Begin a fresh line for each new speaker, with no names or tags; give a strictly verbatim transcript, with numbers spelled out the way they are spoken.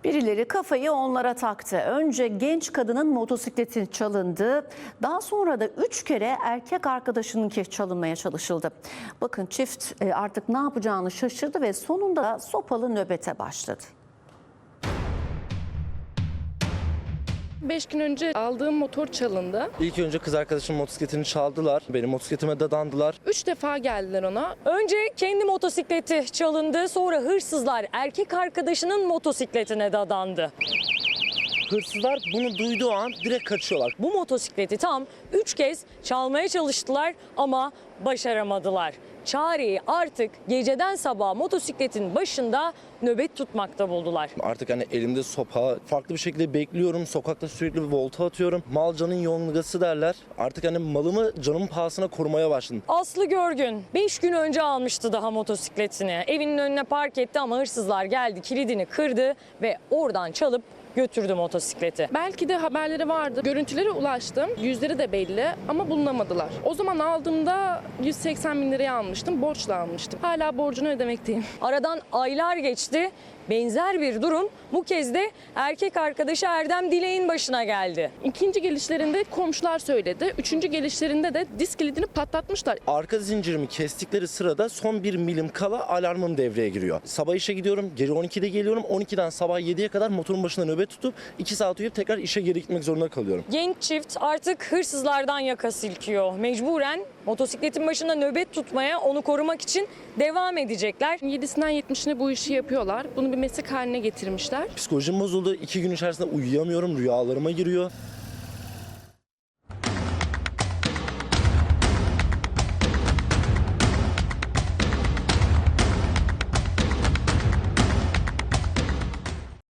Birileri kafayı onlara taktı. Önce genç kadının motosikleti çalındı. Daha sonra da üç kere erkek arkadaşınınki çalınmaya çalışıldı. Bakın çift artık ne yapacağını şaşırdı ve sonunda sopalı nöbete başladı.
Beş gün önce aldığım motor çalındı.
İlk önce kız arkadaşımın motosikletini çaldılar. Benim motosikletime dadandılar.
Üç defa geldiler ona.
Önce kendi motosikleti çalındı, sonra hırsızlar erkek arkadaşının motosikletine dadandı.
Hırsızlar bunu duyduğu an direkt kaçıyorlar.
Bu motosikleti tam üç kez çalmaya çalıştılar ama başaramadılar. Çareyi artık geceden sabaha motosikletin başında nöbet tutmakta buldular.
Artık hani elimde sopa, farklı bir şekilde bekliyorum. Sokakta sürekli bir volta atıyorum. Mal canın yongası derler. Artık hani malımı canımın pahasına korumaya başladım.
Aslı Görgün beş gün önce almıştı daha motosikletini. Evinin önüne park etti ama hırsızlar geldi, kilidini kırdı ve oradan çalıp götürdü motosikleti.
Belki de haberleri vardı. Görüntülere ulaştım. Yüzleri de belli ama bulunamadılar. O zaman aldığımda yüz seksen bin liraya almıştım. Borçla almıştım. Hala borcunu ödemekteyim.
Aradan aylar geçti. Benzer bir durum bu kez de erkek arkadaşı Erdem Dilek'in başına geldi.
İkinci gelişlerinde komşular söyledi. Üçüncü gelişlerinde de disk kilidini patlatmışlar.
Arka zincirimi kestikleri sırada son bir milim kala alarmım devreye giriyor. Sabah işe gidiyorum. Gece on ikide geliyorum. on ikiden sabah yediye kadar motorun başında nöbet tutup iki saat uyuyup tekrar işe geri gitmek zorunda kalıyorum.
Genç çift artık hırsızlardan yaka silkiyor. Mecburen motosikletin başında nöbet tutmaya, onu korumak için devam edecekler.
Yedisinden yetmişine bu işi yapıyorlar. Bunu bir meslek haline getirmişler.
Psikolojim bozuldu. İki gün içerisinde uyuyamıyorum. Rüyalarıma giriyor.